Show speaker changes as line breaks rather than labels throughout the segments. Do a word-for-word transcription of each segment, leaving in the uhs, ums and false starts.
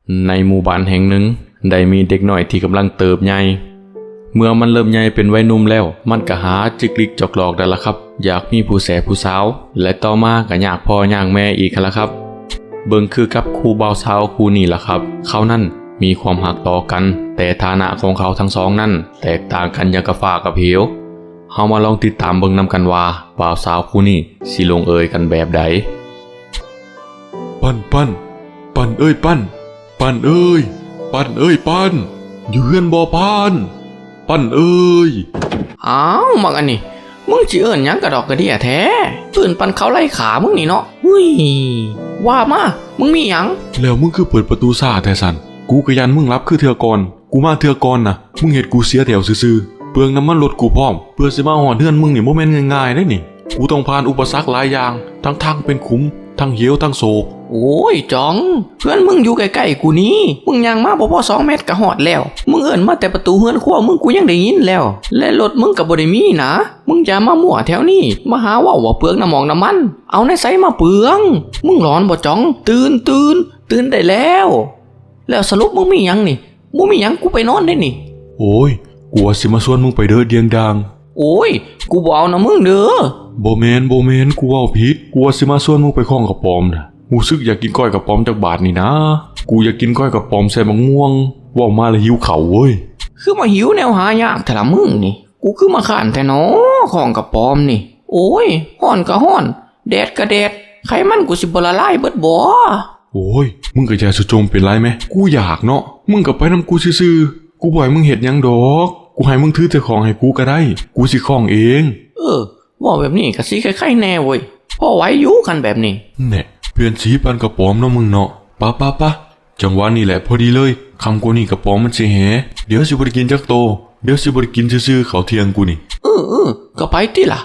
ในหมู่บ้านแห่งหนึ่งได้มีเด็กน้อยที่กำลังเติบใหญ่เมื่อมันเริ่มใหญ่เป็นวัยหนุ่มแล้วมันก็หาจิกลิกจอกหลอกได้ละครับอยากมีผู้แสผู้สาวและต่อมาก็อยากพ่อยากแม่อีกละครับเบิ่งคือกับครูบ่าวสาวคู่นี้ละครับเขานั่นมีความหักต่อกันแต่ฐานะของเขาทั้งสองนั่นแตกต่างกันอย่างกับฟ้ากับเหวเฮามาลองติดตามเบิ่งนำกันว่าบ่าวสาวคู่นี้สิลงเอยกันแบบใด
ปั้นปั้นปั้นเอ้ยปั้นปั้นเอ้ยปั้นเอ้ยปั้นอยู่เฮือนบ่ปั้นปั้นเอ้ย
อ้าวมักอันนี้มึงสิเอิ้นหยังกระดอกกระเดี่ยแท้เอิ้นปันเขาไล่ขามึงนี่เนาะหุ้ยว่ามามึงมีหยัง
แล้วมึงคือเปิดประตูซ่าแท้สันกูก็ยันมึงรับคือเทื่อก่อนกูมาเทื่อก่อนน่ะมึงเฮ็ดกูเสียแถวซื่อๆเปลืองน้ำมันรถกูพร้อมเพื่อสิมาฮอดเฮือนมึงนี่บ่แม่นง่ายๆเด้นี่กูต้องผ่านอุปสรรคหลายอย่างทั้งทางเป็นขุมทั้งเหวทั้งโศก
โอ้ยจองเพื่อนมึงอยู่ใกล้ๆกูนี่มึงยังมาบ่พอสองเมตรก็ฮอดแล้วมึงเอิ้นมาแต่ประตูเฮือนครัวมึงกูยังได้ยินแล้วและรถมึงก็บ่ได้มีนะมึงอย่ามามั่วแถวนี้มาหาว่าว่าเปลืองน้ำมองน้ำมันเอาในไสมาเปลืองมึงร้อนบ่จองตื่นตื่นตื่นได้แล้วแล้วสรุปมึงมีหยังนี่มึงมีหยังกูไปนอนได้นี่
โอ้ยกูว่าสิมาชวนมึงไปเด้อเดียงดัง
โอ้ยกูบ่เอานะมึงเด้อ
บ่แม่นบ่แม่นกูเว้าผิดกูว่าสิมาชวนมึงไปข้องกระป๋อมน่ะกูซึกอยากกินก้อยกระป๋อมจากบาทนี่นะกูอยากกินก้อยกระป๋อมใส่มะม่วงว่ามาแล้วหิวข้าวเว้ย
คือมาหิวแนวหายากแต่ละมึงนี่กูคือมาข้านแต่น้อของกระป๋อมนี่โอ้ยฮ้อนก็ฮ้อนแดดก็แดดไขมันกูสิบ่ละลายเบิดบ่
โอ้ยมึงก็อย่าสุจมเป็นไรไหมกูอยากเนาะมึงก็ไปนำกูซื่อๆกูบ่ให้มึงเฮ็ดหยังดอกกูให้มึงถือแต่ของให้กูก็ได้กูสิของเอง
เออว่าแบบนี้ก็สิคล้ายๆแน่เว้ยพอไหวอยู่กันแบบนี้
แน่เพื่อนสีปันกระป๋อมเนาะมึงเนาะปะปะปะจังหวะนี้แหละพอดีเลยคำกูนี่กระป๋อมมันสิแหเดี๋ยวสิบ่ได้กินจักโตเดี๋ยวสิบ่ได้กินซื่อๆข้าวเที่ยงกูนี่
เออเออก็ไปติล่ะ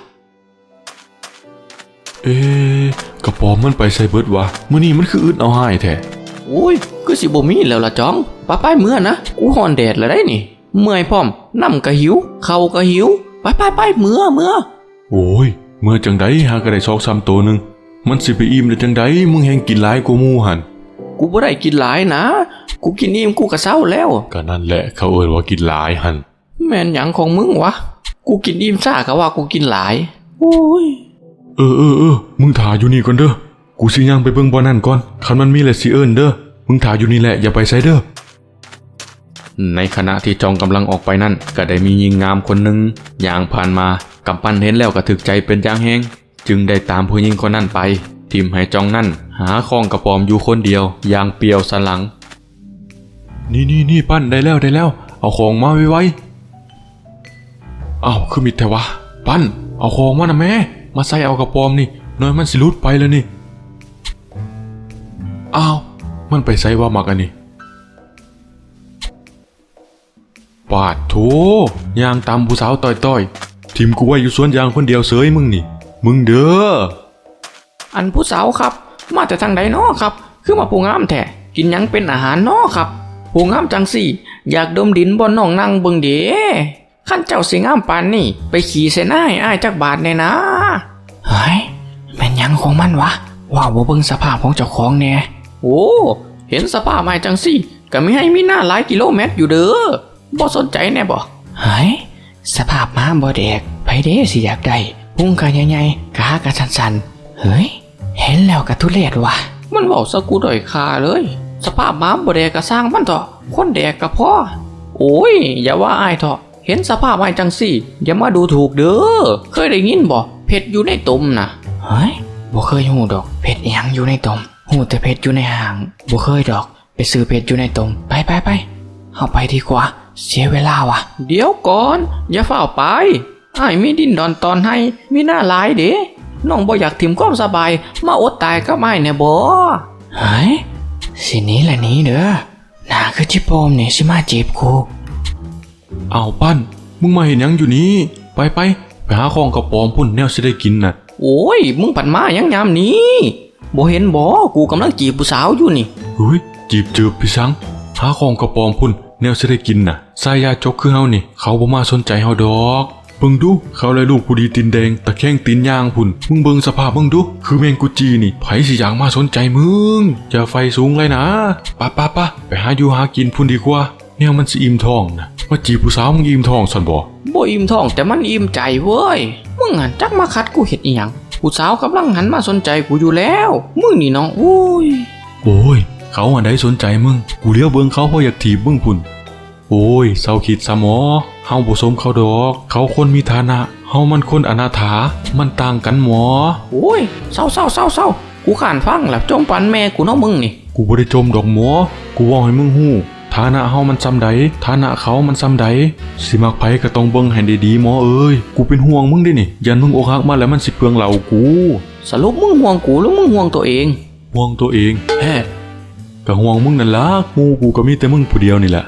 เอ๊ะกระป๋อมมันไปใส่เบิดวะมื้อนี้มันคืออึดเอาหายแท้
โอ้ยคือสิบ่มีแล้วล่ะจ้องป้าไปเมื่อนะกูฮ้อนแดดแล้วได้นี่เมื่อยพร้อมน้ำก็หิวข้าวก็หิวไปไปไปเมื่อเมื่อ
โอ้ยเมื่อจังได๋หาก็ได้สองสามโตนึงมันสิไปอิ่มได้จังได๋มึงแฮงกินหลายกว่าหมู่หั่น
กูบ่ได้กินหลายนะกูกินอิ่มกูก็เซาแล้ว
ก็นั่นแหละเขาเอิ้นว่ากินหลายหั่น
แม่นหยังของมึงวะกูกินอิ่มซ่าก็ว่ากูกินหลายโอ้ย
เออเออเออมึงถ่าอยู่นี่ก่อนเด้อกูสิย่างไปเบิ่งบ่อนั่นก่อนคันมันมีแล้วสิเอิ้นเด้อมึงถ่าอยู่นี่แหละอย่าไปไสเด้อ
ในขณะที่จองกำลังออกไปนั่นก็ได้มีหญิงงามคนหนึ่งย่างผ่านมากำปั้นเห็นแล้วก็ถึกใจเป็นอย่างแฮงจึงได้ตามผู้หญิงคนนั้นไปทิมให้จองนั่นหาของกระป๋อมอยู่คนเดียวอย่างเปียวสันหลัง
นี่นี่นี่ปั้นได้แล้วได้แล้วเอาของมาไวๆอ้าวคือมิดแท้วะปั้นเอาของมานะแม่มาใส่เอากระป๋อมนี่น้อยมันสิหลุดไปแล้วนี่อ้าวมันไปใส่ว่ามักอันนี้ปาดโถยางตามผู้สาวต่อยๆทิมกูไว้อยู่สวนยางคนเดียวเสยมึงนี่มึงเด้อ
อันผู้สาวครับมาแต่ทางใดน้อครับคือมาผู้งามแท้กินหยังเป็นอาหารน้อครับผู้งามจังสี่อยากดมดินบนน้องนั่งเบิ่งเด้ขั้นเจ้าสิงามปานนี่ไปขี่เสนาให้อ้ายจักบาทแน่นะเฮ้ยแม่นหยังของมันวะว้าวบ่เบิ่งสภาพของเจ้าของแน่โอ้เห็นสภาพอ้ายจังสี่ก็มีให้มีหน้าหลายกิโลเมตรอยู่เด้อบ่สนใจแน่บ่เฮ้ยสภาพม้าบ่แดกไผเด้สิอยากได้พุงก็ใหญ่ๆขาก็สั่นๆเฮ้ยเห็นแล้วก็ทุเรศว่ะมันเว้าซะกูด้อยค่าเลยสภาพม้าบ่แดกก็สร้างมันเถาะคนแดกก็พอโอ้ยอย่าว่าอ้ายเถาะเห็นสภาพอ้ายจังซี่อย่ามาดูถูกเด้อเคยได้ยินบ่เผ็ดอยู่ในตุ่มน่ะเฮ้ยบ่เคยฮู้ดอกเผ็ดอีหยังอยู่ในตุ่มฮู้แต่เผ็ดอยู่ในห่างบ่เคยดอกไปซื้อเผ็ดอยู่ในตุ่มไปๆๆเฮาไปดีกว่าเสียเวลาว่ะเดี๋ยวก่อนอย่าเฝ้าไปอ้ายมีดินดอนตอนให้มีหน้าหลายเด้น้องบ่อยากถิ่มความสบายมาอดตายกับอ้ายแน่บ่เฮ้ยสิหนีละหนีเด้อหน้าคือจิโปมนี่สิมาจีบกู
อ้าวปั้นมึงมาเห็นหยังอยู่นี่ไปไปไปหาของกระป๋อมพุ่นแนวสิได้กินน่ะ
โอ้ยมึงปั่นมาหยังยามนี้บ่เห็นบ่กูกำลังจีบผู้สาวอยู่นี่
เฮ้ยจีบจืบพี่สังหาของกระป๋อมพุ่นแนวสิได้กินน่ะสายยาจกคือเฮานี่เขาบ่มาสนใจเฮาดอกเบิ่งดูเขาเลยลูกผู้ดีตีนแดงตะแคงตีนย่างพุ่นมึงเบิ่งสภาพมึงดูคือแมงกุจีนี่ไผสิอยากมาสนใจมึงจะไฟสูงเลยนะปะปะปะไปหาอยู่หากินพุ่นดีกว่าแนวมันสิอิ่มท้องนะว่าจีบผู้สาวมึงอิ่มท้องซั่นบ่
บ่อิ่มท้องแต่มันอิ่มใจเว้ยมึงหันจักมาคัดกูเฮ็ดอีหยังผู้สาวกำลังหันมาสนใจกูอยู่แล้วมึงนี่น้องโอ้ย
โอ้ยเขาอันใดสนใจมึงกูเลี้ยวเบิ่งเขาเพราะอยากถีบมึงพุ่นโอ้ยเศร้าคิดซะหมอเฮาบ่สมเขาดอกเขาคนมีฐานะเฮามันคนอนาถามันต่างกันหมอ
โอ้ยเศร้าเศร้าเศร้าเศร้ากูขานฟังแล้วจมปันแม่กูเนาะมึงนี่
กูบ่ได้จมดอกหมอกูเว้าให้มึงฮู้ฐานะเฮามันซำใดฐานะเขามันซำใดสิมักไผก็ต้องเบิ่งให้ดีๆหมอเอ้ยกูเป็นห่วงมึงเด้นี่ยันมึงอกหักมาแล้วมันสิเปลืองเหล่ากู
สรุปมึงห่วงกูหรือมึงห่วงตัวเอง
ห่วงตัวเอง
แฮ่
ก็ห่วงมึงนั่นล่ะกูกูก็มีแต่มึงผู้เดียวนี่แหละ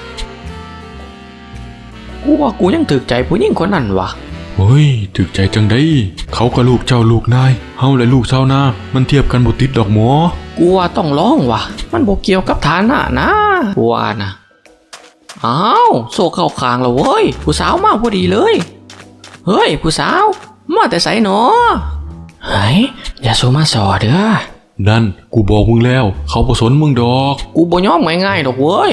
กูว่ากูยังถึกใจผู้หญิงคนนั้นวะ
เฮ้ยถึกใจจังได้เขาก็ลูกเจ้าลูกนายเฮาและลูกชาวนามันเทียบกันบ่ติดดอกหมอ
กูว่าต้องร้องวะมันบ่เกี่ยวกับฐานะนะกูว่านะอ้าวโซ่เข้าคางแล้วเว้ยผู้สาวมาพอดีเลยเฮ้ยผู้สาวมาแต่ไสหนอเฮ้ยอย่าโซมาสอเด้อ
นั่นกูบอกมึงแล้วเขาบ่สนมึงดอก
กูบ่ยอมง่ายๆดอกเว้ย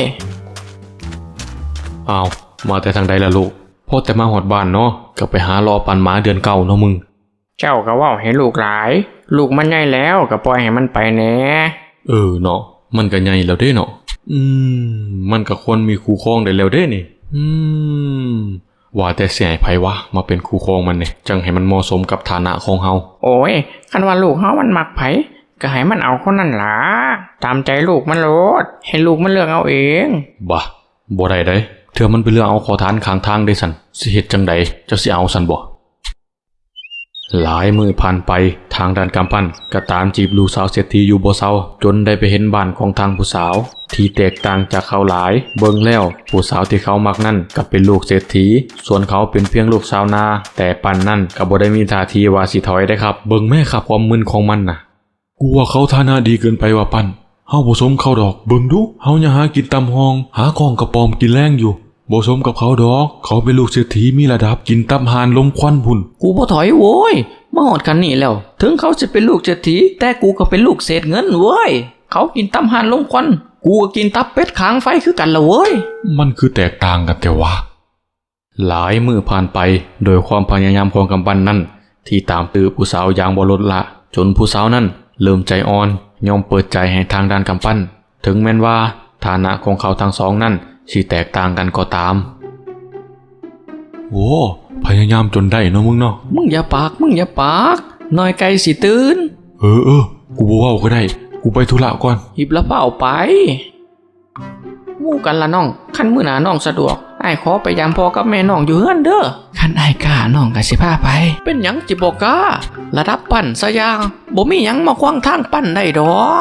อ้าวมาแต่ทางใดล่ะลูกพ่อแต่มาหอดบ้านเนาะก็ไปหารอปันหมาเดือนเก่าเนาะมึง
เจ้าก็เว้าให้ลูกหลายลูกมันใหญ่แล้วก็ปล่อยให้มันไปแหน่
เออเนาะมันก็ใหญ่แล้วเด้เนาะอืมมันก็ควรมีคู่ครองได้แล้วเด้นี่อืมว่าแต่สิให้ไผวะมาเป็นคู่ครองมันนี่จังให้มันเหมาะสมกับฐานะของเฮา
โอ้ยคันว่าลูกเฮามันมักไผก็ให้มันเอาคนนั้นล่ะตามใจลูกมันโลดให้ลูกมันเลือกเอาเอง
บ่บ่ได้เด้เถื่อมันไปเลือกเอาขอทานข้างทางได้สั่นสิเฮ็ดจังใดเจ้าสิเอาสั่นบ่หลายมือผ่านไปทางด้านกำปั้นก็ตามจีบลูกสาวเศรษฐีอยู่บ่เซาจนได้ไปเห็นบ้านของทางผู้สาวที่แตกต่างจากเขาหลายเบิ่งแล้วผู้สาวที่เขามักนั่นก็เป็นลูกเศรษฐีส่วนเขาเป็นเพียงลูกชาวนาแต่ปันนั่นก็บ่ได้มีท่าทีว่าสิถอยได้ครับเบิ่งแม่ครับความมึนของมันน่ะ
กูว่าเขาฐานะดีเกินไปว่าปั้นเฮาบ่สมเขาดอกเบิ่งดูเฮายังหากินตำห้องหาของกระปอมกินแรงอยู่บ่สมกับเขาดอกเขาเป็นลูกเศรษฐีมีระดับกินตำหานลมควันพุ่น
กูบ่ถอยโว้ยมาหอดกันนี่แล้วถึงเขาจะเป็นลูกเศรษฐีแต่กูก็เป็นลูกเศษเงินเว้ยเขากินตำหานลงควันกูก็กินตับเป็ดขางไฟคือกันละเว้ย
มันคือแตกต่างกันแต่ว่า
หลายมือผ่านไปโดยความพยายามของกำปั้นนั้นที่ตามตื้อผู้สาวอย่างบ่ลดละจนผู้สาวนั้นเริ่มใจอ่อนยอมเปิดใจให้ทางด้านกำปั้นถึงแม้นว่าฐานะของเขาทั้งสองนั้นสิแตกต่างกันก็ตาม
โอ้พยายามจนได้เนาะมึงเนาะ
มึงอย่าปากมึงอย่าปากน้อยไก่สิตื่น
เออเออกูบ่เว้าก็ได้กูไปธุระก่อน
หิบละเป้าไปหมู่กันละน้องคันมื้อหน้าน้องสะดวกอ้ายขอไปยามพ่อกับแม่น้องอยู่เฮือนเด้อคันอ้ายกล้าน้องก็สิพาไปเป็นหยังจิบ่กล้าระดับปั้นซะอย่างบ่มีหยังมาขวางทางปั้นได้ดอก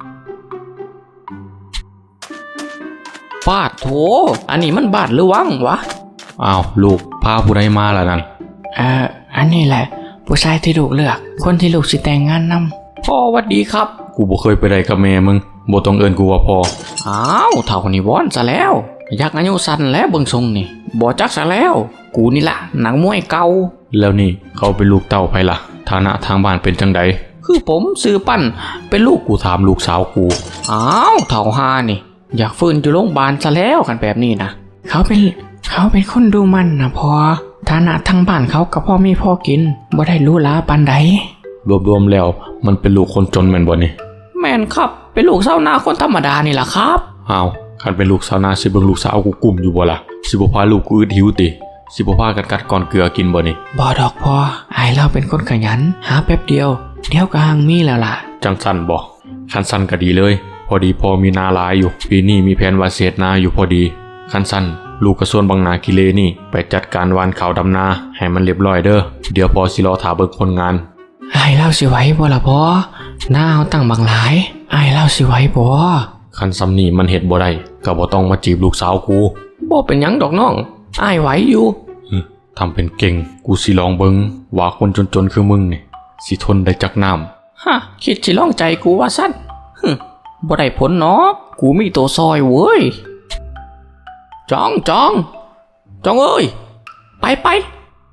ปาดโถอันนี้มันบาดหรือวังวะ
อ้าวลูกพาผู้ใดมาล่ะนั่น
เอ่ออันนี้แหละผู้ชายที่ลูกเลือกคนที่ลูกสิแต่งงานนำพ่อหวัดดีครับ
กูบ่เคยไปได้กับแม่มึงบ่ต้องเอิ้นกูว่าพ่อ
อ้าวเท่านี้วอนซะแล้วอยากอายุสั้นแล้วเบิ่งทรงนี่บ่จักซะแล้ว กูนี่ล่ะหนังมวยเก่า
แล้วนี่เขาเป็นลูกเต้าไผล่ะฐานะทางบ้านเป็นจังใด
คือผมซื้อปั้นเป็นลูก
กูถามลูกสาวกู
อ้าวเท่าหานี่ อยากฟื้นอยู่โรงพยาบาลซะแล้วกันแบบนี้นะเขาเป็นเขาเป็นคนดูมันนะพอฐานะทางบ้านเขากับพ่อมีพ่อกินบ่ได้รู้ลาปานใด
รวมๆแล้วมันเป็นลูกคนจนแม่นบ่นี่
แม่นครับเป็นลูกชาวนาคนธรรมดานี่ล่ะครับ
อ้าวคันเป็นลูกสาวนาสิเบิ่งลูกสาวกูกลุ่มอยู่บ่ล่ะสิบ่พาลูกกูอึดหิวติสิบ่พากันกัดก่อนเกลือกินบ่นี่
บ่ดอกพออายเราเป็นคนขยันหาแป๊บเดียวเดี๋ยวก็หังมีแล้วล่ะ
จังสั้นบ่คันสั้นก็ดีเลยพอดีพอมีนาหลายอยู่ปีนี้มีแผนว่าเสียดนาอยู่พอดีคันสั้นลูกกระส่วนบางนากิเลนี่ไปจัดการวานข้าวดำนาให้มันเรียบร้อยเด้อเดี๋ยวพอสิรอถาเบิ่งคนงาน
อายเล่าสิไหว้บ่ล่ะพอหน้าเอาตั้งบางหลายอายเล่าสิไหว้บ่
คันซ้ำนี่มันเฮ็ดบ่ได้ก็บ่ต้องมาจีบลูกสาวกู
บ่เป็นหยังดอกน้องอายไหวอยู่
ฮึทำเป็นเก่งกูสิลองเบิ่งว่าคนจนๆคือมึงนี่สิทนได้จักน้ำ
ฮะคิดสิลองใจกูว่าสั้นฮึบ่ได้ผลเนาะกูมีตัวซอยเว้ยจองจองจองเอ้ยไปไป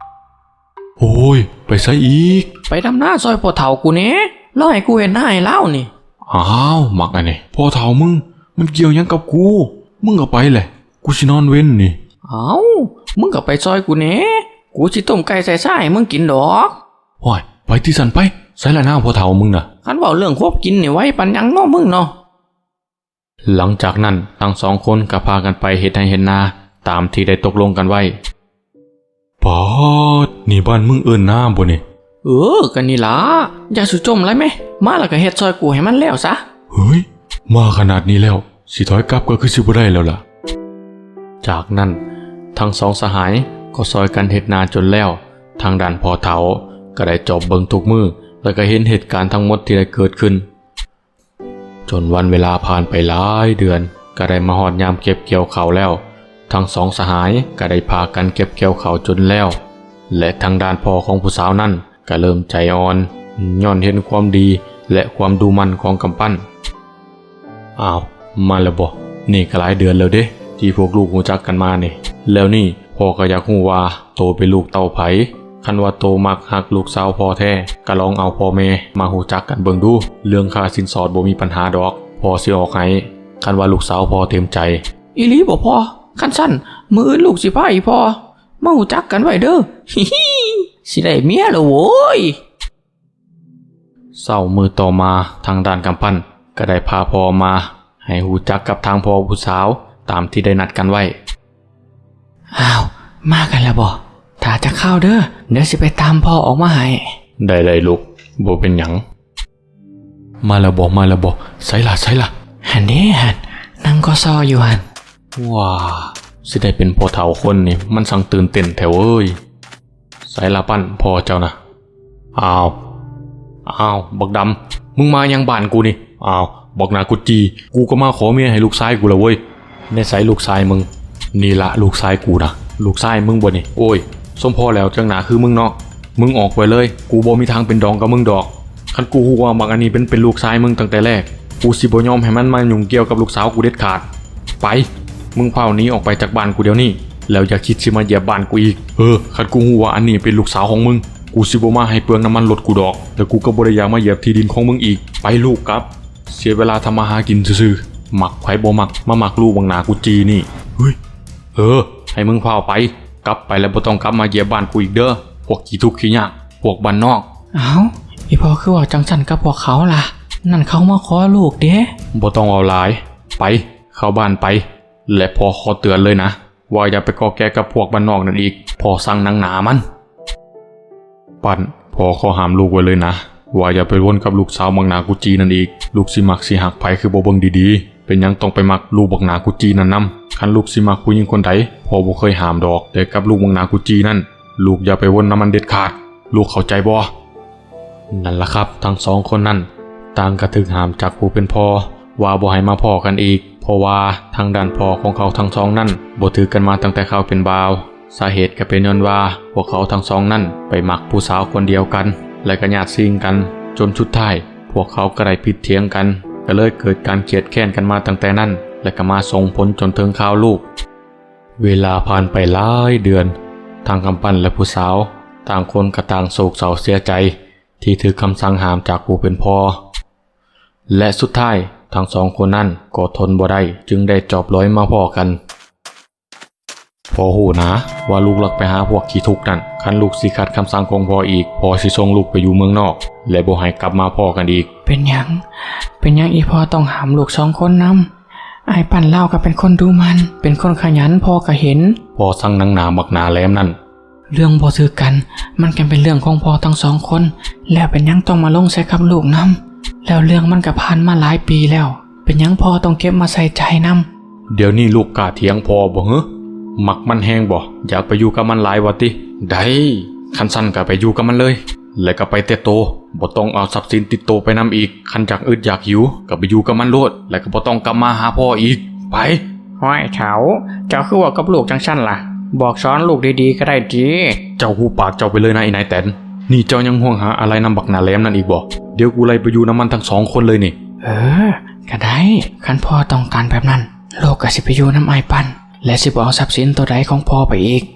โอ้ยไปซะอีก
ไปดำหน้าซอยพ่อเฒ่ากูเน่แล้วให้กูเห็นหน้าให้เล่านี่
อ้าวมักอันนี้พ่อเฒ่ามึงมันเกี่ยวหยังกับกูมึงก็ไปแหละกูสินอนเว้นนี่
เอามึงก็ไปซอยกูเน่กูสิต้มไก่ใส่ไส้ให้มึงกินดอก
โอ้ยไปที่สันไปใส่ละหน้าพ่อเฒ่ามึงน่ะ
คันเว้าเรื่องควบกินนี่ไว้ปันหยังเนาะมึงเนาะ
หลังจากนั้นทั้งสองคนก็พากันไปเฮ็ดให้เห็นนาตามที่ได้ตกลงกันไว้
ปอดนี่บ้านมึงเอิ้นหน้าบ่นี่
เออกันนี่ล่ะอย่าสุจมไรไหมมาแล้วก็เฮ็ดซอยกูให้มันแล้วซะ
เฮ้ยมาขนาดนี้แล้วสิถอยกลับก็คือสิบ่ได้แล้วล่ะ
จากนั้นทั้งสองสหายก็ซอยกันเฮ็ดนาจนแล้วทางด้านพ่อเฒ่าก็ได้จอบเบิ่งทุกมือแล้วก็เห็นเหตุการณ์ทั้งหมดที่ได้เกิดขึ้น จนวันเวลาผ่านไปหลายเดือนก็ได้มาฮอดยามเก็บเกี่ยวข้าวแล้ว ทั้งสองสหายก็ได้พากันเก็บเกี่ยวข้าวจนแล้ว และทางด้านพ่อของผู้สาวนั้นก็เริ่มใจอ่อนย้อนเห็นความดีและความดูมั่นของกำปั้นอ้าวมาแล้วบ่นี่ก็หลายเดือนแล้วเด้ที่พวกลูกรู้จักกันมานี่แล้วนี่พ่อก็อยากรู้ว่าโตเป็นลูกเต้าไผคันว่าโตมักฮักลูกสาวพ่อแท้ก็ลองเอาพ่อแม่มารู้จักกันเบิ่งดูเรื่องค่าสินสอดบ่มีปัญหาดอกพ่อสิออกให้คันว่าลูกสาวพ่อเต็มใจ
อีหลีบ่พอคันสั้นมืออื่นลูกสิพาอีพอมาหูจักกันไว้เด้อ ฮิฮิสิได้เมียแล้วโว้ย
เศร้ามือต่อมาทางด้านกำปั้นก็ได้พาพ่อมาให้หูจักกับทางพ่อผู้สาวตามที่ได้นัดกันไว้
อ้าวมากันแล้วบ่ถ้าจะเข้าเด้อเดี๋ยวสิไปตามพ่อออกมาให้
ได้เลยลูกบ่เป็นหยัง
มาแล้วบ่มาแล้วบ่ใส่ละใส่ละ
หันเด้หันนั่งก็ซออยู่หัน
ว้าสิได้เป็นพ่อเฒ่าคนนี่มันสั่งตื่นเต้นแถวเอ้ยสายละปั้นพ่อเจ้านะอ้าวอ้าวบักดำมึงมายังบ้านกูนี่อ้าวบอกนากุจีกูก็มาขอเมียให้ลูกชายกูแล้วเว้ยในสายลูกชายมึงนี่ละลูกชายกูนะลูกชายมึงบ่นี่โอ้ยสมพ่อแล้วจังหนาคือมึงเนาะมึงออกไปเลยกูบ่มีทางเป็นดองกับมึงดอกคันกูฮู้ว่าบักอันนี้เป็นเป็นลูกชายมึงตั้งแต่แรกกูสิบ่ยอมให้มันมายุ่งเกี่ยวกับลูกสาวกูเด็ดขาดไปมึงเผาหนี้ออกไปจากบ้านกูเดี๋ยวนี้แล้วอย่าคิดสิมาเหยียบบ้านกูอีกเออคันกูฮู้ว่าอันนี้เป็นลูกสาวของมึงกูสิบ่มาให้เปลืองน้ำมันรถกูดอกแล้วกูก็บ่ได้อยากมาเหยียบที่ดินของมึงอีกไปลูกครับเสียเวลาทำมาหากินซื่อๆหมักไผบ่มักมาหมักลูกบังหนากูจีนี่เฮ้ยเออให้มึงเผาไปกลับไปแล้วบ่ต้องกลับมาเหยียบบ้านกูอีกเด้อพวกขี้ทุกข์ขี้ยากพวกบ้านนอก
เอ้าอีพอคือว่าจังสันกับพวกเขาล่ะนั่นเขามาขอลูกเด้
บ่ต้องเอาหลายไปเข้าบ้านไปและพอขอเตือนเลยนะว่าอย่าไปก่อแก่กับพวกบ้านนอกนั่นอีกพอสั่งหนังหนามันปั่นพอขอห้ามลูกไว้เลยนะว่าอย่าไปวนกับลูกสาวบังหนากุจีนั่นอีกลูกสิมักสิหักไผคือบ่เบิ่งดีๆเป็นหยังต้องไปมักลูกบักหนากุจีนั่นนำคันลูกสิมักผู้หญิงคนใดพอบ่เคยห้ามดอกแต่กับลูกบักหนากุจีนั่นลูกอย่าไปวนน้ำมันเด็ดขาดลูกเข้าใจบ่นั่นล่ะครับทั้งสองคนนั้นต่างกระถึกห้ามจากผู้เป็นพ่อว่าบ่ให้มาพ่อกันอีกเพราะว่าทางด้านพ่อของเขาทั้งสองนั่นบ่ถือกันมาตั้งแต่เขาเป็นบ่าวสาเหตุก็เป็นย้อนว่าพวกเขาทั้งสองนั่นไปมักผู้สาวคนเดียวกันและก็ญาติซิ่งกันจนสุดท้ายพวกเขาก็ได้ผิดเถียงกันก็เลยเกิดการเกลียดแค้นกันมาตั้งแต่นั้นและก็มาส่งผลจนถึงข่าวลูกเวลาผ่านไปหลายเดือนทางกำปั้นและผู้สาวต่างคนก็ต่างโศกเศร้าเสียใจที่ถือคำสั่งห้ามจากผู้เป็นพ่อและสุดท้ายทั้งสองคนนั้นก็ทนบ่ได้จึงได้จอบร้อยมาพ่อกันพอหูนะว่าลูกหลักไปหาพวกขี้ทุกข์นั่นคันลูกสิขัดคำสั่งของพ่ออีกพ่อสิส่งลูกไปอยู่เมืองนอกและบ่ให้กลับมาพ่อกันอีก
เป็นหยังเป็นหยังอีพอต้องหามลูกสองคนนำไอ้ปั่นเล่าก็เป็นคนดูมันเป็นคนขยันพอก็เห็น
พ่อสั่งหนังหนาบักหนาแหลมนั่น
เรื่องบ่ซื้อกันมันก็เป็นเรื่องของพ่อทั้งสองคนแล้วเป็นหยังต้องมาลงใส่กับลูกนำแล้วเรื่องมันก็ผ่านมาหลายปีแล้วเป็นหยังพ่อต้องเก็บมาใส่ใจนำ
เดี๋ยวนี้ลูกกล้าเถียงพ่อบ่เหรอมักมันแห้งบ่อยากไปอยู่กับมันหลายวะติได้คันสั้นก็ไปอยู่กับมันเลยแล้วก็ไปเตะโตบ่ต้องเอาทรัพย์สินติดโตไปนำอีกคันจากอึดอยากหิวก็ไปอยู่กับมันโลดแล้วก็บ่ต้องกลับมาหาพ่ออีกไป
ห้อยเฉาเจ้าคือว่ากับลูกจังสั้นล่ะบอกสอนลูกดีๆก็ได้จี
เจ้าหูปากเจ้าไปเลยนะไอ้นายแตนนี่เจ้ายังห่วงหาอะไรนำบักหนาแหลมนั่นอีกบ่เดี๋ยวกูไล่ไปอยู่น้ำมันทั้งสองคนเลยนี่
เออก็ได้คันพ่อต้องการแบบนั้นลูกก็สิไปอยู่น้ำไอายปันและสิบเอาทรัพย์สินตัวใดของพ่อไปอีก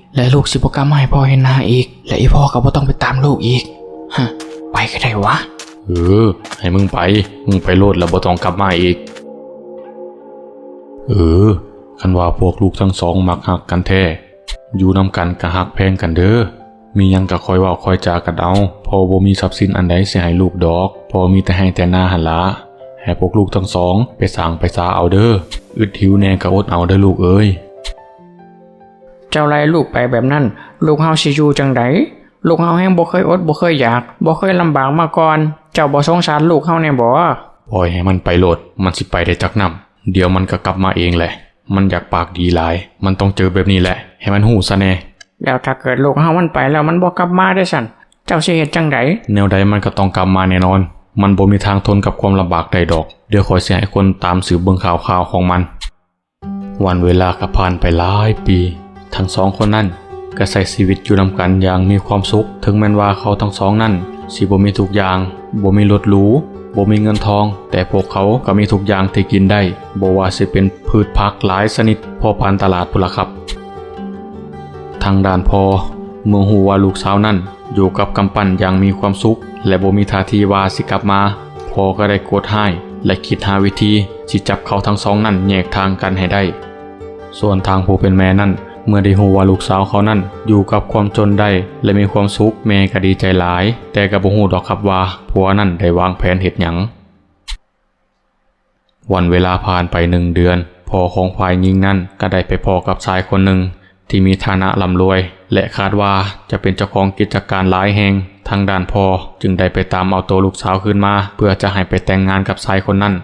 และลูกสิบ่กลับมาให้พ่อเห็นหน้าอีกและอีพ่อก็บ่ต้องไปตามลูกอีกฮะไปก็ได้วะ
เออให้มึงไปมึงไปโลดแล้วบ่ต้องกลับมาอีกเออคันว่าพวกลูกทั้งสองมักหักกันแท้อยู่นำกันก็หักแพงกันเด้อมีหยังก็คอยเว้าคอยจากันเอาพอบ่มีทรัพย์สินอันใดสิให้ลูกดอกพอมีแต่ให้แต่หน้าหันละให้พวกลูกทั้งสองไปสร้างไปสาเอาเด้ออึดหิวแน่ก็อดเอาเด้อลูกเอ้ย
เจ้าไล่ลูกไปแบบนั้นลูกเฮาสิอยู่จังไดลูกเฮาแฮงบ่เคยอดบ่เคยอยากบ่เคยลำบากมาก่อนเจ้าบ่สงสารลูกเฮาแน่บ่
ปล่อยให้มันไปโลดมันสิไปได้จักนำเดี๋ยวมันก็กลับมาเองแหละมันอยากปากดีหลายมันต้องเจอแบบนี้แหละให้มันหูซะแน่
แล้วถ้าเกิดลูกเฮามันไปแล้วมันบ่กลับมาได้สั่นเจ้าสิเฮ็ดจังได
แนวใดมันก็ต้องกลับมาแน่นอนมันบ่มีทางทนกับความลำบากใดดอกเดี๋ยวคอยสิให้คนตามสืบเบิ่งข่าวข่าวของมันวันเวลาก็ผ่านไปหลายปีทั้งสองคนนั้นก็ใช้ชีวิตอยู่นำกันอย่างมีความสุขถึงแม้ว่าเขาทั้งสองนั้นสิบ่มีทุกอย่างบ่มีรถหรูบ่มีเงินทองแต่พวกเขาก็มีทุกอย่างที่กินได้บ่ว่าสิเป็นพืชผักหลายชนิดพอพันตลาดพุ่นล่ะครับทางด้านพ่อเมื่อฮู้ว่าลูกสาวนั้นอยู่กับกำปั้นอย่างมีความสุขและบ่มีท่าทีว่าสิกลับมาพ่อก็ได้โกรธให้และคิดหาวิธีสิจับเขาทั้งสองนั้นแยกทางกันให้ได้ส่วนทางผู้เป็นแม่นั้นเมื่อได้ฮู้ว่าลูกสาวเขานั้นอยู่กับความจนได้และมีความสุขแม่ก็ดีใจหลายแต่ก็บ่ฮู้ดอกครับว่าผัวนั้นได้วางแผนเฮ็ดหยังวันเวลาผ่านไปหนึ่งเดือนพ่อของฝ่ายหญิงนั้นก็ได้ไปพอกับชายคนหนึ่งที่มีฐานะร่ำรวยและคาดว่าจะเป็นเจ้าของกิจการหลายแห่งทางด้านพ่อจึงได้ไปตามเอาตัวลูกสาวคืนมาเพื่อจะให้ไปแต่งงานกับชายคนนั้น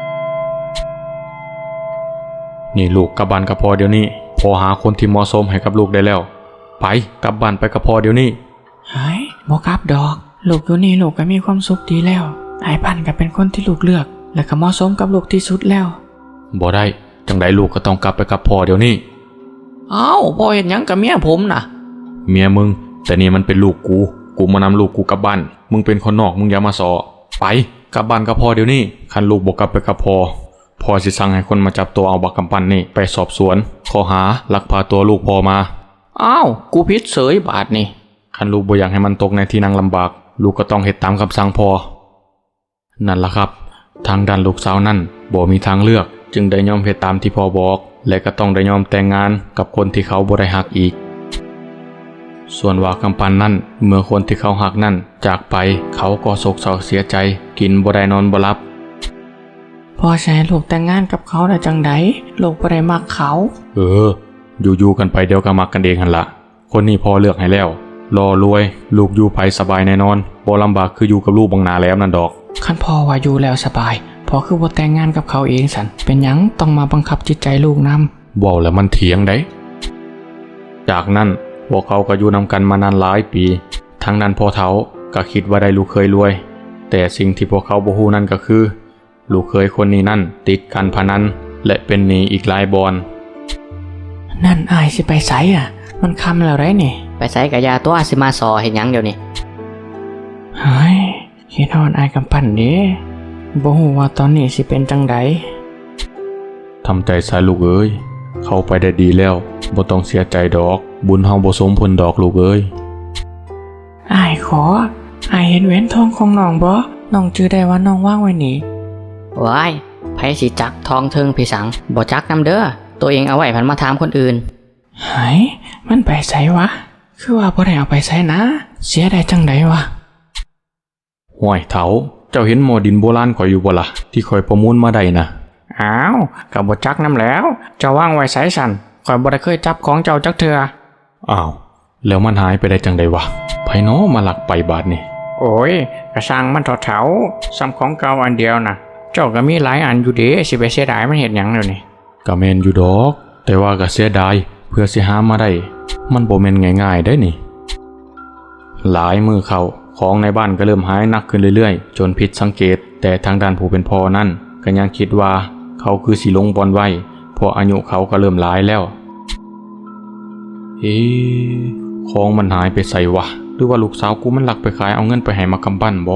นี่ลูกกลับบ้านกับพ่อเดี๋ยวนี้พ่อหาคนที่เหมาะสมให้กับลูกได้แล้วไปกลับบ้านไปกับพ่อเดี๋ยวนี้
เฮ้ยบ่กลับดอกลูกอยู่นี่ลูกก็มีความสุขดีแล้วไอ้พันก็เป็นคนที่ลูกเลือกและก็เหมาะสมกับลูกที่สุดแล้ว
บ่ได้จังใดลูกก็ต้องกลับไปกับพ่อเดี๋ยวนี้
เอ้าพ่อเห็นหยังกับเมียผมน่ะ
เมียมึงแต่นี่มันเป็นลูกกูกูมานำลูกกูกลับบ้านมึงเป็นคนนอกมึงอย่ามาสอไปกลับบ้านกับพ่อเดี๋ยวนี้คันลูกบ่กลับไปกับพ่อพ่อสิสั่งให้คนมาจับตัวเอาบักกำปั้นนี่ไปสอบสวนข้อหาลักพาตัวลูกพ่อมา
อ้าวกูผิดเสยบาทนี่
คันลูกบ่อยากให้มันตกในที่นั่งลำบากลูกก็ต้องเฮ็ดตามคำสั่งพ่อนั่นล่ะครับทางด้านลูกสาวนั่นบ่มีทางเลือกจึงได้ยอมเฮ็ดตามที่พ่อบอกและก็ต้องได้ยอมแต่งงานกับคนที่เขาบ่ได้ฮักอีกส่วนว่ากำปั้นนั่นเมื่อคนที่เขาฮักนั่นจากไปเขาก็โศกเศร้าเสียใจกินบ่ได้นอนบ่หลับ
พ่อใช้ลูกแต่งงานกับเขาได้จังไดลูกบ่ได้มักเขา
เอออยู่ๆกันไปเดี๋ยวก็มักกันเองหั่นละคนนี้พ่อเลือกให้แล้วรอรวยลูกอยู่ไผสบายแน่นอนบ่ลำบากคืออยู่กับลูกบังหน้าแล้วนั่นดอก
คันพ่อว่าอยู่แล้วสบายพ่อคือบ่แต่งงานกับเขาเองสันเป็นหยังต้องมาบังคับจิตใจลูกนำ
เว้าแล้วมันเถียงได้จากนั้นพวกเขาก็อยู่นำกันมานานหลายปีทั้งนั้นพ่อเฒ่าก็คิดว่าได้ลูกเคยรวยแต่สิ่งที่พวกเขาบ่ฮู้นั่นก็คือลูกเคยคนนี้นั่นติดการพนันและเป็นหนี้อีกหลายบอน
นั่นอายสิไปไสอ่ะมันคำแล้วไรนี่
ไปใส่กะยาตัวสิมาสอเห็นหยังเดี๋ยวนี้
เฮ้ยคิดฮอดอายกำปั้นเด้บ่ฮู้ว่าตอนนี้สิเป็นจังได
ทำใจซะลูกเอ้ยเข้าไปได้ดีแล้วบ่ต้องเสียใจดอกบุญเฮาบ่สมผลดอกลูกเอ้ย
อายขออายเห็นแหวนทองของน้องบ่น้องจื้อได้ว่าน้องวางไว้นี่
ว้ายไผสิจักทองเทิงพี่สังบ่จักนำเด้อตัวเองเอาไว้พันมาถามคนอื่น
เฮ้ยมันไปไสวะคือว่าบ่ได้เอาไปไสนะเสียได้จังไดวะ
ห้วยเฒ่าเจ้าเห็นหม้อดินโบราณข่อยอยู่บ่ล่ะที่ข่อยประมูลมาได้นะ
อ้าวก็บ่จักนำแล้วเจ้าวางไว้ไสสั่นข่อยบ่ได้เคยจับของเจ้าจักเทื่อ
อ้าวแล้วมันหายไปได้จังไดวะไผน้อมาลักไปบาดนี่
โอ้ยกระสังมันเถาๆซ้ำของเก่าอันเดียวน่ะเจ้าก็มีหลายอันอยู่เด้สิไปเสียดายมันเฮ็ดหยังเดี๋ยวนี้
ก็แม่นอยู่ดอกแต่ว่าก็เสียดายเพื่อสิหามาได้มันบ่แม่นง่ายๆได้นี่หลายมือเข้าของในบ้านก็เริ่มหายหนักขึ้นเรื่อยๆจนผิดสังเกตแต่ทางด้านผู้เป็นพ่อนั่นก็ยังคิดว่าเขาคือสิลงบอลไว้เพราะอายุเขาก็เริ่มหลายแล้วเอ๊ะของมันหายไปใส่วะหรือว่าลูกสาวกูมันลักไปขายเอาเงินไปให้มักกำปั้นบ่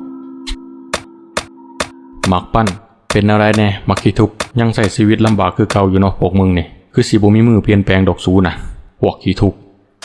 มักปั้นเป็นอะไรแน่มักขี้ทุกข์ยังใส่ชีวิตลำบากคือเก่าอยู่เนาะพวกมึงนี่คือสิบ่มีมือเปลี่ยนแปลงดอกซูน่ะพวกขี้ทุกข์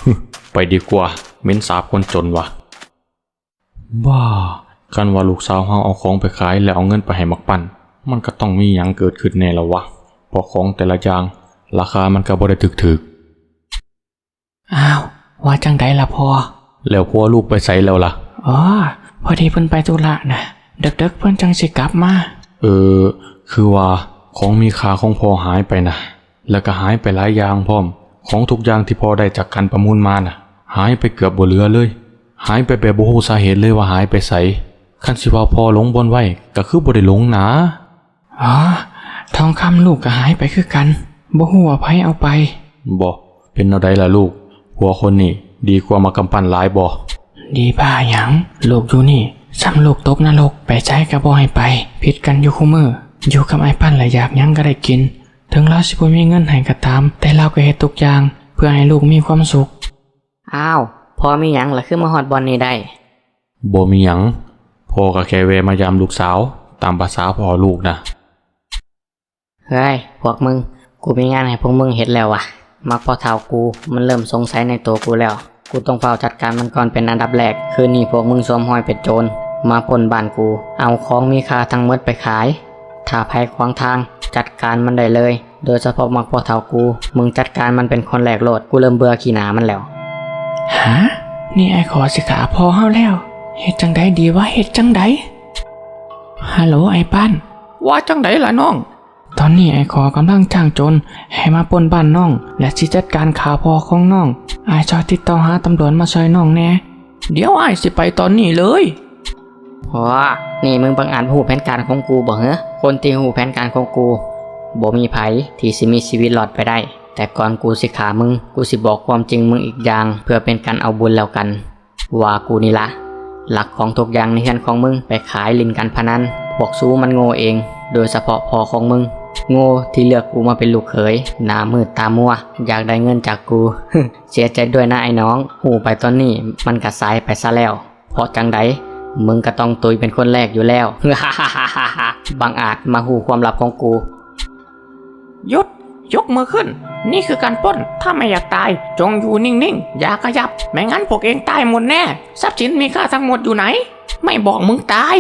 ไปดีกว่าเหม็นสาบคนจนวะบ้ากันว่าลูกสาวเฮาเอาของไปขายแล้วเอาเงินไปให้มักปั่นมันก็ต้องมีหยังเกิดขึ้นแน่แล้ววะเพราะของแต่ละอย่างราคามันก็บ่ได้ถึก
อ้าวว่าจังไดล่ะพ่อ
ๆแล้วพ่อลูกไปไสแล้วล่ะ
อ๋อพอดีเพิ่นไปธุระนะเด็กๆเพิ่นจังสิกลับมา
เออคือว่าของมีค่าของพ่อหายไปนะแล้วก็หายไปหลายอย่างพร้อมของทุกอย่างที่พ่อได้จากการประมูลมาน่ะหายไปเกือบบ่เหลือเลยหายไปแบบบ่ฮู้สาเหตุเลยว่าหายไปไสคันสิว่าพ่อหลงบ่อนไว้ก็คือบ่ได้หลงนะ
อ๋อทองคำลูกก็หายไปคือกันบ่ฮู้ว่าไผเอาไป
บ่เป็นแนวใดล่ะลูกหัวคนนี่ดีกว่ามากำปั้นหลายบ่
ดีบ้าหยังลูกอยู่นี่ซ้ำลูกตกนรกไปใจก็บ่ให้ไปผิดกันอยู่คู่มืออยู่กับไอ้ปั้นและอยากหยังก็ได้กินถึงเราสิบ่มีเงินให้ก็ตามแต่เราก็เฮ็ดทุกอย่างเพื่อให้ลูกมีความสุข
อ้าวพอมีหยังล่ะคือมาฮอดบอลนี่ได้
บ่มีหยังพ่อก็แค่แวะมายามลูกสาวตามภาษาพ่อลูกนะ
เฮ้ยพวกมึงกูมีงานให้พวกมึงเฮ็ดแล้ววะมักพอเท่ากูมันเริ่มสงสัยในตัวกูแล้วกูต้องเฝ้าจัดการมันก่อนเป็นอันดับแรกคืนนี้พวกมึงสวมห้อยเป็นโจรมาปล้นบ้านกูเอาของมีค่าทั้งหมดไปขายถ้าภัยขวางทางจัดการมันได้เลยโดยเฉพาะมักพอเท่ากูมึงจัดการมันเป็นคนแรกโลดกูเริ่มเบื่อขี้หนามันแล้ว
ฮะนี่ไอ้ขอสิขาพอเฮาแล้วเฮ็ดจังไดดีวะเฮ็ดจังไดฮัลโหลไอ้ปั้นว่าจังไดล่ะน้องตอนนี้ไอ้ขอกำลังจ้างโจรให้มาปล้นบ้านน้องและสิจัดการขาพอของน้องอ้ายช่วยติดต่อหาตำรวจมาช่วยน้องแน่เดี๋ยวอ้ายสิไปตอนนี้เลย
ว้านี่มึงบังอาจหูแผนการของกูบ่เหรอคนที่หูแผนการของกูบ่มีไผที่สิมีชีวิตรอดไปได้แต่ก่อนกูสิขามึงกูสิบอกความจริงมึงอีกอย่างเพื่อเป็นการเอาบุญแล้วกันว่ากูนี่ละหลักของทุกอย่างในเฮือนของมึงไปขายลินการพนันพวกซูมันโง่เองโดยเฉพาะพ่อของมึงโง่ที่เลือกกูมาเป็นลูกเขยหน้ามืดตามัวอยากได้เงินจากกู เสียใจด้วยนะไอ้น้องหูไปตอนนี้มันกระสายไปซะแล้วเพราะจังไดมึงก็ต้องตุยเป็นคนแรกอยู่แล้ว บังอาจมาหูความลับของกู
หยุดยกมือขึ้นนี่คือการปล้นถ้าไม่อยากตายจงอยู่นิ่งๆอย่าขยับไม่งั้นพวกเองตายหมดแน่ทรัพย์สินมีค่าทั้งหมดอยู่ไหนไม่บอกมึงตาย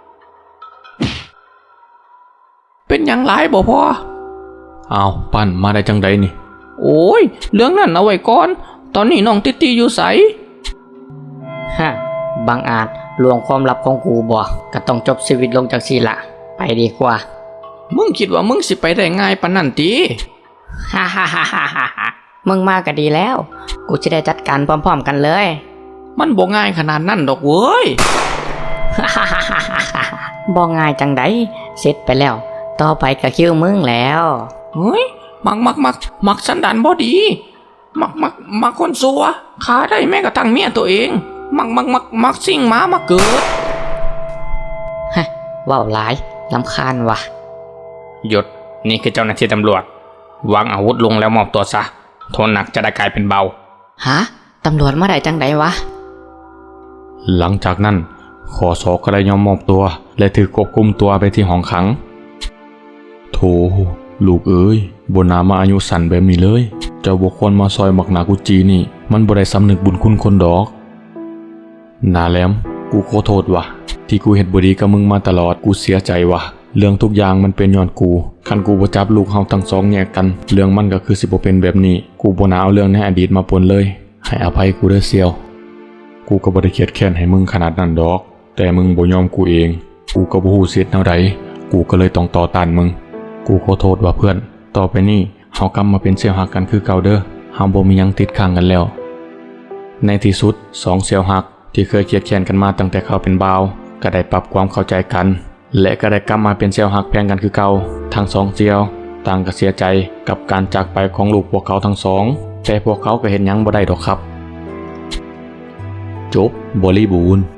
เป็นอย่างไรบ่พอ
อ้าวปั้นมาได้จังไดนี่
โอ้ยเรื่องนั้นเอาไว้ก่อนตอนนี้น้องติตีอยู่ไส
ฮะบังอาจลวงความลับของกูบ่ก็ต้องจบชีวิตลงจากสีละไปดีกว่า
มึงคิดว่ามึงสิไปได้ง่ายปานนั้นติ
ฮ่าฮ่าฮ่าฮ่าฮ่ามึงมาก็ดีแล้ว กูจะได้จัดการพร้อมๆกันเลย
มันบ่ง่ายขนาดนั้นดอกเว้ย
บ่ง่ายจังไดเสร็จไปแล้ว ต่อไปก็คิวมึงแล้ว
เฮ้ยมักมักมักมักสันดานบ่ดีมักมักมักคนซัวขาได้แม้กระทั่งเมียตัวเองมักมักมักมักสิ่งหมามาเกิด
ฮะว้าวหลายลำคาญว่ะ
หยุดนี่คือเจ้าหน้าที่ตำรวจวางอาวุธลงแล้วมอบตัวซะโทษหนักจะได้กลายเป็นเบา
ฮะตำรวจมาได้จังไดวะ
หลังจากนั้นขอสอก็ได้ยอมมอบตัวและถือควบคุมตัวไปที่ห้องขังโถลูกเอ้ยบนนามาอายุสั่นแบบนี้เลยเจ้าบุคคลมาซอยมักนากุจีนี่มันบ่ได้สำนึกบุญคุณคนดอกนาแหลมกูขอโทษว่ะที่กูเฮ็ดบ่ดีกับมึงมาตลอดกูเสียใจว่ะเรื่องทุกอย่างมันเป็นย้อนกูคันกูบ่จับลูกเฮาทั้งสองแยกกันเรื่องมันก็คือสิบ่เป็นแบบนี้กูบ่น่าเอาเรื่องในอดีตมาปนเลยให้อภัยกูเด้อเซียวกูก็บ่ได้เครียดแค้นให้มึงขนาดนั้นดอกแต่มึงบ่ยอมกูเองกูก็บ่ฮู้เสียแนวใดกูก็เลยต้องต่อต้านมึงกูขอโทษว่าเพื่อนต่อไปนี้เฮากลับมาเป็นเสี่ยวหักกันคือเก่าเด้อเฮาบ่มีหยังติดค้างกันแล้วในที่สุดสองเสี่ยวหักที่เคยเครียดแค้นกันมาตั้งแต่เขาเป็นบ่าวก็ได้ปรับความเข้าใจกันและก็ได้กลับมาเป็นเสี่ยวหักแพงกันคือเก่าทั้งสองเสี่ยวต่างก็เสียใจกับการจากไปของลูกพวกเขาทั้งสองแต่พวกเขาก็เห็นหยังบ่ได้ดอกครับจบบริบูรณ์